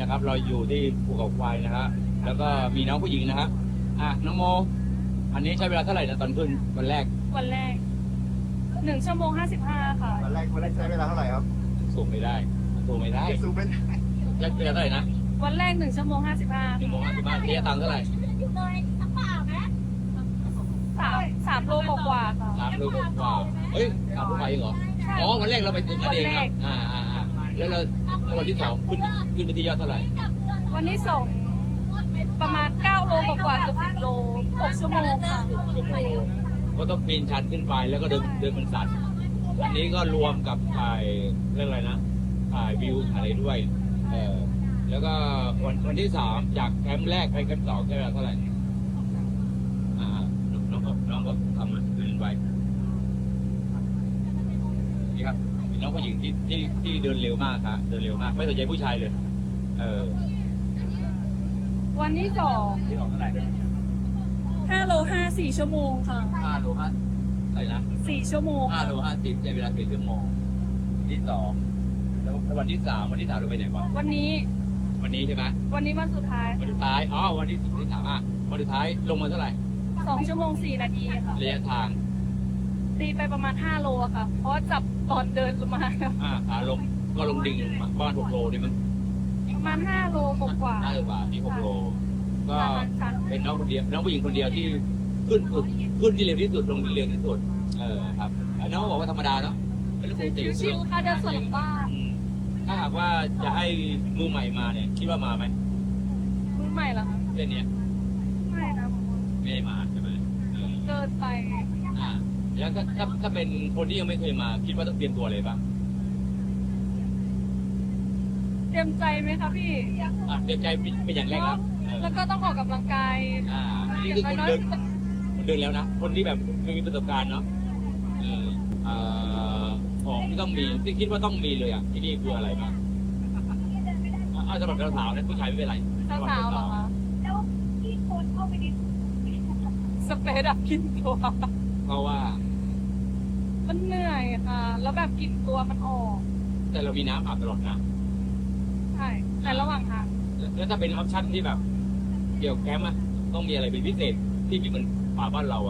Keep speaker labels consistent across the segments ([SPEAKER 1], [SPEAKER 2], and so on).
[SPEAKER 1] นะครับ เราอยู่ที่ภูเขาควายนะฮะแล้วก็มีน้องผู้หญิงนะฮะน้องโมอันนี้ใช้เวลาเท่าไหร่นะตอนขึ้นวันแรก
[SPEAKER 2] วันแรก1 ชั่วโมง 55 ค่ะ
[SPEAKER 3] วันแรกใช้เวลาเท่าไหร่ครับ
[SPEAKER 1] สูงไม่ได้สูงไม่ได้
[SPEAKER 3] สูงเป็น
[SPEAKER 1] ใช้เวลาเท่าไหร่นะ
[SPEAKER 2] วันแรก1 ชั่วโมง 55
[SPEAKER 1] 1 โมง 55ระยะทางเท่าไหร่
[SPEAKER 2] 3 โลกว่าๆค่ะ
[SPEAKER 1] 3 โลกว่าเฮ้ย3 โลไปเองเหรออ๋อวันแรกเราไปถึงนั่นเองนะแล้วเราวันที่ 2ขึ้นไปที่ยอดเท่าไหร่
[SPEAKER 2] วันที่2ประมาณ9 โลกว่าๆเกือบ10 โล 6 ชั่วโมงค่ะ
[SPEAKER 1] ก็ต้องปีนชันขึ้นไปแล้วก็เดินบนสันอันนี้ก็รวมกับถ่ายเรื่องอะไรนะถ่ายวิวอะไรด้วยแล้วก็วันที่ 3จากแคมป์แรกไปแคมป์ 2ใช้เวลาเท่าไหร่น้องก็ทำขึ้นไปนี่ครับน้องผู้หญิงที่เดินเร็วมากครับเดินเร็วมากไม่สนใจผู้ชายเลย
[SPEAKER 2] วันที่
[SPEAKER 1] ที่สองเท่าไหร่
[SPEAKER 2] 2 5 โล 5 4 ชั่วโมงค่ะ
[SPEAKER 1] 5 โล 5อะไรนะ
[SPEAKER 2] 4 ชั่วโมง
[SPEAKER 1] 5 โล 50ใช้เวลา4 ชั่วโมงที่ 2แล้ววันที่ 3เราไปไหนบ้าง
[SPEAKER 2] วันนี้
[SPEAKER 1] วันนี้ใช่ไหม
[SPEAKER 2] วันนี้วันสุดท้าย
[SPEAKER 1] วันสุดท้ายวันที่3วันสุดท้ายลงมาเท่าไหร่
[SPEAKER 2] 2 ชั่วโมง 4 นาทีค่ะ
[SPEAKER 1] ระยะทาง
[SPEAKER 2] ตีไปประมาณ5 โลอะค่ะ เพราะจับตอนเดินลงมา
[SPEAKER 1] ขาลงก็ลงดิ่งบ้าน6 โลนี่มัน
[SPEAKER 2] ประมาณ5 โลกว่า
[SPEAKER 1] น่าจะกว่าที่6 โลก็เป็นน้องคนเดียวน้องผู้หญิงคนเดียวที่ขึ้นที่เร็วที่สุดลงที่เร็วที่สุดครับน้องบอกว่าธรรมดาเนาะเป็นเรื่องปกติ
[SPEAKER 2] ชิวๆค่ะเดินสวนหลังบ้าน
[SPEAKER 1] ถ้าหากว่าจะให้มือใหม่มาเนี่ยคิดว่ามาไหม
[SPEAKER 2] มือใหม่เหรอคะ
[SPEAKER 1] เส้นเนี้ย
[SPEAKER 2] ไม่นะผมว่า
[SPEAKER 1] ไม่ได้มาใช่ไหม
[SPEAKER 2] เกินไป
[SPEAKER 1] แล้วถ้าเป็นคนที่ยังไม่เคยมาคิดว่าต้องเตรียมตัวอะไรบ้าง
[SPEAKER 2] เตรียมใจไหมคะพี่
[SPEAKER 1] เตรียมใจเป็นอย่างแรกครับ
[SPEAKER 2] แล้วก็ต้องออกกำลังกาย
[SPEAKER 1] นี่คือคนเดินแล้วนะคนที่แบบมีประสบการณ์เนาะของที่ต้องมีที่คิดว่าต้องมีเลยที่นี่คืออะไรบ้างสำหรับสาวๆนะผู้ชายไม่เป็นไร
[SPEAKER 2] สาวๆเหรอคะสเปรย์ดับกลิ่นตัว
[SPEAKER 1] เพราะว่า
[SPEAKER 2] มันเหนื่อยค่ะ แล้วแบบกลิ่นตัวมันออก
[SPEAKER 1] แต่เรามีน้ำอาบตลอดนะ
[SPEAKER 2] ใช่แต่ระหว่างทาง
[SPEAKER 1] แล้วถ้าเป็นออปชั่นที่แบบเกี่ยวแคมป์ต้องมีอะไรเป็นพิเศษที่ไม่เหมือนป่าบ้านเรา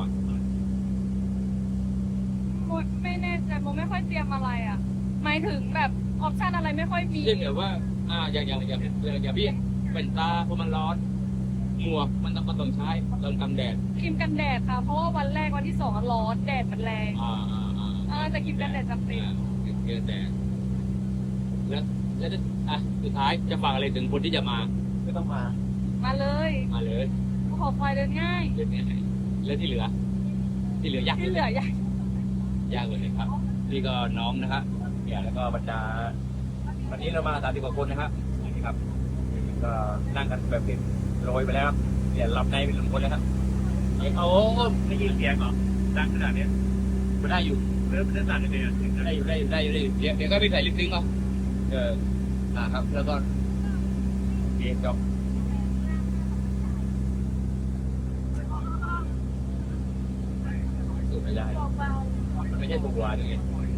[SPEAKER 2] ไม่แน่ใจโมไม่ค่อยเตรียมอะไรอ่ะหมายถึงแบบออปชั่นอะไรไม่ค่อยมี
[SPEAKER 1] เช่นแบบว่าอย่างพี่เป็นตาเพราะมันร้อนหมวกมันต้องใช้กันแดด
[SPEAKER 2] ครีมกันแดดค่ะ เพราะว่าวันแรกวันที่2ร้อนแดดมันแรงแต่ครีมกันแดดจำเป็น
[SPEAKER 1] กันแดดแล้วสุดท้ายจะฝากอะไรถึงคนที่จะมา
[SPEAKER 3] ไม่ต้องมา
[SPEAKER 2] มาเลย ภูเขาควายเดินง่าย
[SPEAKER 1] เดินง่ายแล้วที่เหลือยาก
[SPEAKER 2] ที่เหลือยาก
[SPEAKER 1] ยากเลยครับนี่ก็น้องนะครับเนี่ยแล้วก็บรรดาวันนี้เรามา30 กว่าคนนะครับนี่ครับก็นั่งกันแบบเป็นโรยไปแล้วครับเนี่ยหลับในเป็นคนแล้วครับโอ้ไม่ยินเสียงเหรอดังขนาดนี้ไม่ได้อยู่เริ่มสั่นเลยได้อยู่เดี๋ยวก็ไปใส่ลิปซิงค์เอาครับแล้วก็เกมจบสูบไม่ได้มันไม่ใช่ถูกวาอย่างเงี้ย